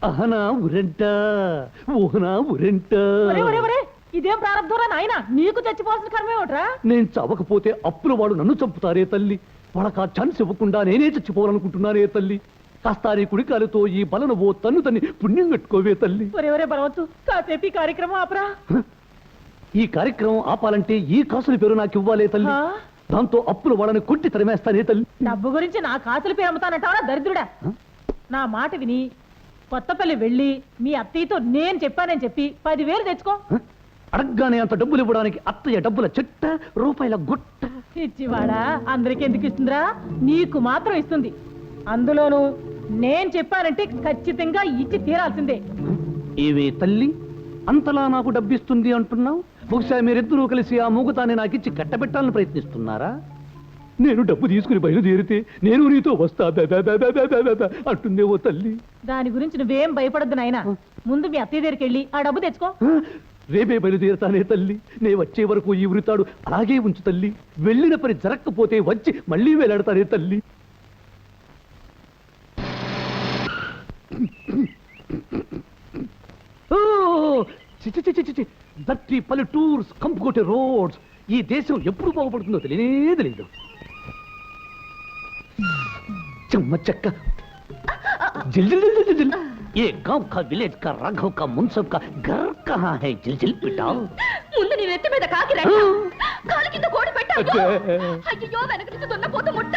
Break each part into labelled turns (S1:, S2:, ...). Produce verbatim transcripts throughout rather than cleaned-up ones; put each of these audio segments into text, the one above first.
S1: అహనా ఉరెంట ఊహనా ఉరెంట.
S2: ఇదేం ప్రారంభంరా నాయన, నీకు చచ్చిపోవాల్సిన కర్మే ఒకట్రా.
S1: నేను చవకపోతే అప్పుల వాడు నన్ను చంపుతారే తల్లి. వాళ్ళకి ఆ ఛాన్స్ ఇవ్వకుండా నేనే చచ్చిపోవాలనుకుంటున్నానే తల్లి. కాస్తారి కుడికాలతో ఈ బలను ఓ తన్ను తన్ని పుణ్యం కట్టుకోవే తల్లి.
S2: ఒరే బలవచ్చు, కాసేపు ఈ కార్యక్రమం ఆపరా.
S1: ఈ కార్యక్రమం ఆపాలంటే ఈ కాసుల పేరు నాకు ఇవ్వాలే తల్లి. దాంతో అప్పుల వాళ్ళని కొట్టి తరిమేస్తానే తల్లి.
S2: డబ్బు గురించి నా కాసుల పేరు అమ్ముతానంటావా దరిద్రుడా? నా మాట విని కొత్తపల్లి వెళ్ళి మీ అత్తయ్యతో నేను చెప్పానని చెప్పి పదివేలు తెచ్చుకో.
S1: అడగ్గానే అంత డబ్బులు ఇవ్వడానికి అత్తయ్య డబ్బుల చెట్ట రూపాయల గుట్ట.
S2: ఇచ్చివాడా అందరికి ఎందుకు ఇస్తుందిరా? నీకు మాత్రం ఇస్తుంది. అందులోను నేను చెప్పానంటే ఖచ్చితంగా ఇచ్చి తీరాల్సిందే.
S1: ఏవే తల్లి, అంతలా నాకు డబ్బిస్తుంది అంటున్నావు? బహుశా మీరిద్దరూ కలిసి ఆ మూగతాన్ని నాకు ఇచ్చి కట్టబెట్టాలని ప్రయత్నిస్తున్నారా? నేను డబ్బు తీసుకుని బయలుదేరితే నేను నీతో వస్తా అంటుందే ఓ తల్లి.
S2: దాని గురించి నువ్వేం భయపడద్దు నాయనా. ముందు మీ అత్తయ్య దగ్గరికి వెళ్ళి ఆ డబ్బు తెచ్చుకో.
S1: రేపే బయలుదేరుతానే తల్లి. నే వచ్చే వరకు ఈ ఉరితాడు అలాగే ఉంచు తల్లి. వెళ్ళిన పని జరగకపోతే వచ్చి మళ్ళీ వేలాడతానే తల్లి. దట్టి పల్లెటూర్స్ కంపుకొట్టే రోడ్స్. ఈ దేశం ఎప్పుడు బాగుపడుతుందో తెలియనే తెలియదు. చెమ్మ చెక్క जिल जिल जिल जिल जिल ये गांव का विलेज का राघव का मुंसब का घर कहाँ है जिल जिल पिटा
S3: ముందు నీ నెత్తి మీద కాకి రెట్ట కాలి కింద కోడి పెట్టావు అయ్యో వెనక నుంచి దున్నపోతు ముట్ట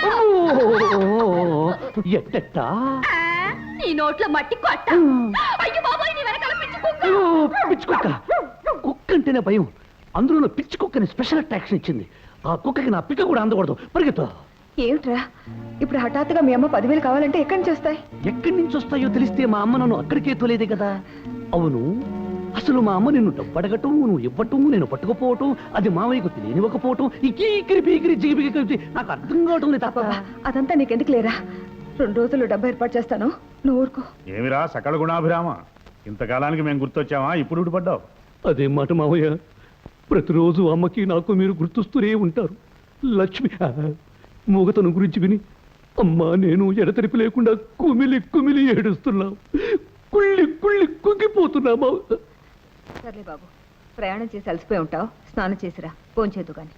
S1: ఎట్టట
S3: నీ నోట్లో మట్టి కొట్ట అయ్యో బాబాయ్ నీ వెనకాల పిచ్చి కుక్క
S1: పిచ్చి కుక్క కుక్క అంటేనే భయం అందులో పిచ్చి కుక్కని స్పెషల్ అట్రాక్షన్ ఇచ్చింది ఆ కుక్కకి నా పిక్క కూడా అందకూడదు పరిగెత్తు
S4: ఏమిట్రా ఇప్పుడు హఠాత్తుగా మీ అమ్మ పదివేలు కావాలంటే ఎక్కడి నుంచి వస్తాయి
S1: ఎక్కడి నుంచి వస్తాయో తెలిస్తే మా అమ్మ నన్ను అక్కడికే తోలేదే కదా అవును అసలు మా అమ్మ నిన్ను డబ్బడగటం నువ్వు ఇవ్వటం నేను పట్టుకుపోవటం అది మావయ్యకు తెలియనివ్వకపోవటం ఇకీకిరి పీకిరి జిగిపిగి కలిపి నాకు అర్థం కావటం లేదు తప్ప
S4: అదంతా నీకెందుకు లేరా రెండు రోజులు డబ్బు ఏర్పాటు చేస్తాను నువ్వు ఊరుకో
S5: ఏమిరా సకల గుణాభిరామ ఇంతకాలానికి మేము గుర్తొచ్చావా ఇప్పుడు ఊడిపడ్డావు
S1: అదే మాట మావయ్య ప్రతిరోజు అమ్మకి నాకు మీరు గుర్తొస్తూనే ఉంటారు లక్ష్మి మూగతను గురించి విని అమ్మా నేను ఎడతెరిపి లేకుండా కుమిలి కుమిలి ఏడుస్తున్నావు కుళ్ళి కుళ్ళి కుంగిపోతున్నామా
S4: సర్లే బాబు ప్రయాణం చేసి అలసిపోయి ఉంటావు స్నానం చేసిరా ఫోన్ చేద్దు కానీ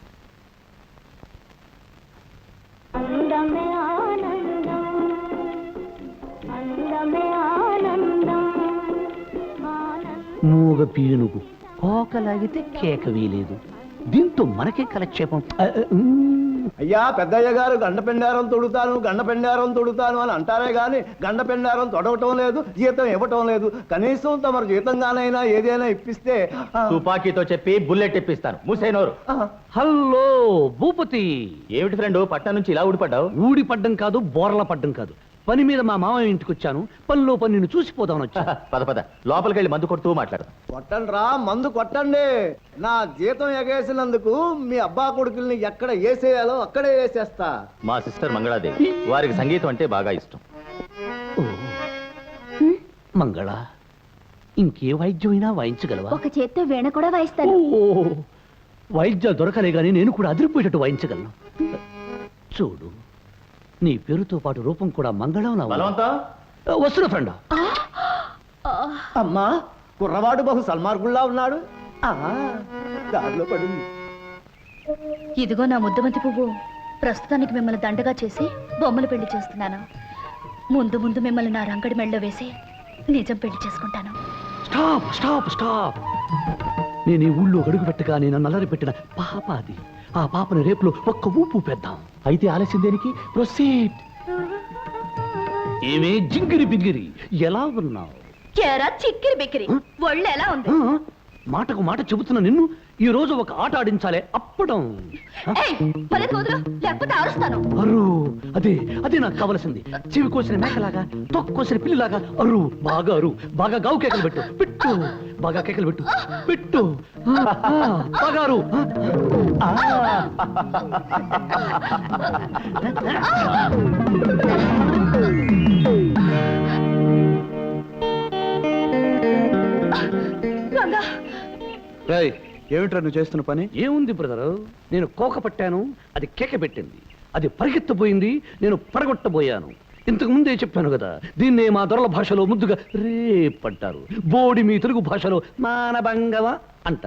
S1: మూగ పీనుగు కోకలాగితే కేక వీలేదు దీంతో మనకే కలక్షేపం
S6: అయ్యా పెద్దయ్య గారు గండ పెండారం తొడుతాను గండ పెండారం తొడుతాను అని అంటారే గాని గండ పెండారం తొడవటం లేదు జీతం ఇవ్వటం లేదు కనీసం తమరు జీతంగానైనా ఏదైనా ఇప్పిస్తే
S7: తుపాకీతో చెప్పి బుల్లెట్ ఇప్పిస్తాను మూసేనోరు
S1: హలో భూపతి
S7: ఏమిటి ఫ్రెండ్ పట్నం నుంచి ఇలా ఊడిపడ్డావు
S1: ఊడి పడ్డం కాదు బోర్ల పడ్డం కాదు పని మీద మా మామయ్య ఇంటికి వచ్చాను పనిలో పని నిన్ను చూసిపోదామని వచ్చా
S7: పద పద లోపలికి వెళ్ళి మందు కొడుతూ మాట్లాడు
S6: కొట్టండి రా మందు కొట్టండి నా జీతం ఎగేసినందుకు మీ అబ్బా కొడుకుల్ని ఎక్కడ వేసేయాలో అక్కడే వేసేస్తా
S7: మా సిస్టర్ మంగళాదేవి వారికి సంగీతం అంటే బాగా ఇష్టం
S1: మంగళ ఇంకే వాయిద్యమైనా వాయించగలవా
S3: ఒక చేత్తో వీణ కూడా వాయిస్తాను
S1: వాయిద్యాలు దొరకలే గానీ నేను కూడా అదిరిపోయేటట్టు వాయించగలను చూడు నీ పేరుతో పాటు రూపం కూడా మంగళం వస్తున్న ఫ్రెండ్
S6: అమ్మా కుర్రవాడు బహు సల్మార్గుల్లా ఉన్నాడు దారిలో పడింది
S3: ఇదిగో నా ముద్దమంతి పువ్వు ప్రస్తుతానికి మిమ్మల్ని దండగా చేసి బొమ్మలు పెళ్లి చేస్తున్నాను ముందు ముందు మిమ్మల్ని నా రంగడి మెళ్ళలో వేసి నిజం పెళ్లి చేసుకుంటాను
S1: స్టాప్ స్టాప్ స్టాప్ నేను ఈ ఊళ్ళో అడుగు పెట్టగా నేను నల్లరి పెట్టిన పాప అది ఆ పాపని రేపులో ఒక్క ఊపు పెద్దాం అయితే ఆలస్యం దేనికి ప్రొసీడ్ ఏమే జింగిరి బింగిరి ఎలా ఉన్నావు
S3: చిక్కిరి బిక్కిరి ఒళ్ళు ఎలా ఉంది
S1: మాటకు మాట చెబుతున్న నిన్ను ఈ రోజు ఒక ఆట ఆడించాలే అప్పడం
S3: లేకపోతే అరుస్తాను
S1: అరు అదే అదే నాకు కావలసింది చెవి కోసిన మేకలాగా తొక్కు కోసిన పిల్లిలాగా అరు బాగా అరు బాగా గావు కేకలు పెట్టు పెట్టు బాగా కేకలు పెట్టు పెట్టు బాగా అరు
S6: ఏమిట్రా నువ్వు చేస్తున్న పని
S1: ఏముంది బ్రదరు నేను కోక పట్టాను అది కేక పెట్టింది అది పరిగెత్తబోయింది నేను పడగొట్టబోయాను ఇంతకు ముందే చెప్పాను కదా, దీన్నే మా దొరల భాషలో ముద్దుగా రేప్ అంటారు. బోడి మీ తెలుగు భాషలో మానభంగవ అంటారు.